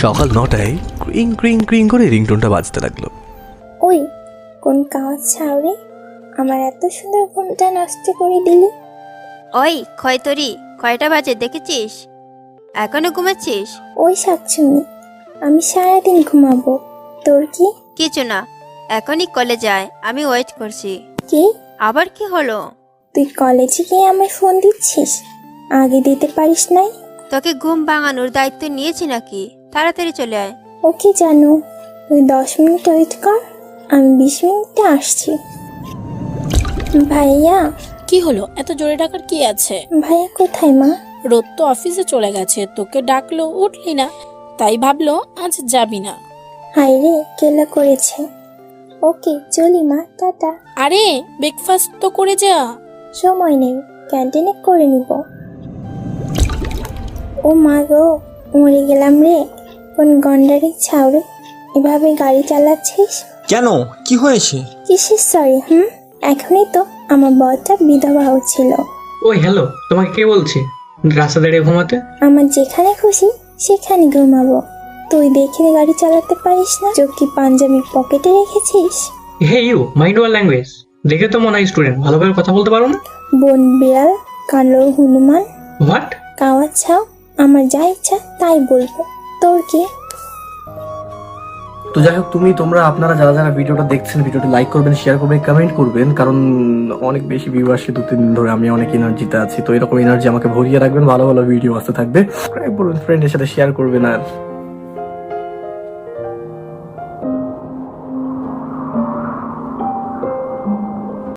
সকাল 9টায় ক্রিং ক্রিং ক্রিং করে রিংটোনটা বাজতে লাগলো। ওই কোন কাজ ছাউরে, আমার এত সুন্দর ঘুমটা নষ্ট করে দিলি। ওই খয়তরি, কয়টা বাজে দেখেছিস? এখনো ঘুমাচ্ছিস? ওই শাকচুনি, আমি সারাদিন ঘুমাবো, তোর কি? কিছু না, এখনই কলেজ যায়, আমি ওয়েট করছি। কি? আবার কি হলো? তুই কলেজে গিয়ে আমায় ফোন দিচ্ছিস, আগে দিতে পারিস নাই? তোকে ঘুম ভাঙানোর দায়িত্ব নিয়েছি নাকি? তাড়াতাড়ি চলে আয়। ওকে জানো, তুই 10 মিনিট ওয়েট কর, আমি 20 মিনিটে আসছি। ভাইয়া। কি হলো? এত জোরে ডাকার কি আছে? ভাইয়া কোথায় মা? রোদ তো অফিসে চলে গেছে, তোকে ডাকলো উঠলি না, তাই ভাবলো আজ যাবি না। হাই রে, কেলা করেছে। ওকে চলি মা, টাটা। আরে ব্রেকফাস্ট তো করে যা। সময় নেই, ক্যান্টিনে করে নিব। ও মা গো, মরে গেলাম রে। কোন গন্ডারে ছাউরে, এভাবে গাড়ি চালাচ্ছিস কেন? কি হয়েছে? কিসের সরি? এখনই তো আমার বরটা বিধবা হচ্ছিল। ওই হ্যালো, তোমাকে কে বলছে রাস্তা দাঁড়িয়ে ঘুমাতে? আমার যেখানে খুশি সেখানে ঘুমাবো, তুই দেখে গাড়ি চালাতে পারিস না? চোখ কি পাঞ্জাবির পকেটে রেখেছিস? Hey you, mind your language. দেখে তো মনে হয় স্টুডেন্ট, ভালোভাবে কথা বলতে পারো না। বন বিড়াল, কালো হনুমান, হোয়াট? কাওয়া ছাও, আমার যা ইচ্ছা তাই বলবো, তোর কি? তো যাই হোক, তোমরা আপনারা যারা যারা ভিডিওটা দেখছেন, ভিডিওটা লাইক করবেন, শেয়ার করবেন, কমেন্ট করবেন, কারণ অনেক বেশি ভিউ আসছে 2-3 দিন ধরে। আমি অনেক এনার্জিতে আছি, তো এরকম এনার্জি আমাকে ভরিয়ে রাখবেন, ভালো ভালো ভিডিও আসতে থাকবে। সাবস্ক্রাইব করবেন, ফ্রেন্ডের সাথে শেয়ার করবেন, আর